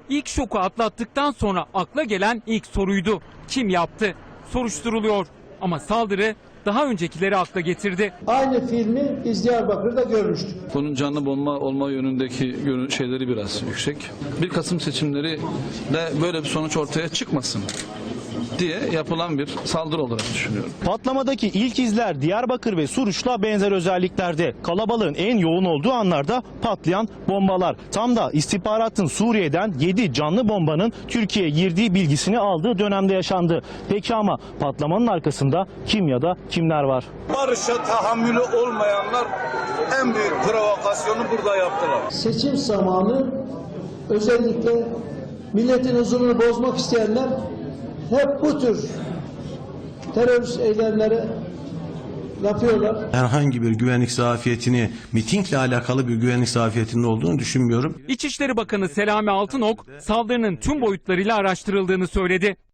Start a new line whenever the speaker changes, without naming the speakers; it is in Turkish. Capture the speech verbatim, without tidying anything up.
İlk şoku atlattıktan sonra akla gelen ilk soruydu. Kim yaptı? Soruşturuluyor. Ama saldırı daha öncekileri akla getirdi.
Aynı filmi biz Diyarbakır'da görmüştük.
Bunun canlı bomba olma yönündeki şeyleri biraz yüksek. bir Kasım seçimleri de böyle bir sonuç ortaya çıkmasın diye yapılan bir saldırı olarak düşünüyorum.
Patlamadaki ilk izler Diyarbakır ve Suruç'la benzer özelliklerde. Kalabalığın en yoğun olduğu anlarda patlayan bombalar. Tam da istihbaratın Suriye'den yedi canlı bombanın Türkiye'ye girdiği bilgisini aldığı dönemde yaşandı. Peki ama patlamanın arkasında kim ya da kimler var?
Barışa tahammülü olmayanlar en büyük provokasyonu burada yaptılar.
Seçim zamanı özellikle milletin huzurunu bozmak isteyenler hep bu tür terörist eylemlere yapıyorlar.
Herhangi bir güvenlik zafiyetini, mitingle alakalı bir güvenlik zafiyetinde olduğunu düşünmüyorum.
İçişleri Bakanı Selami Altınok saldırının tüm boyutlarıyla araştırıldığını söyledi.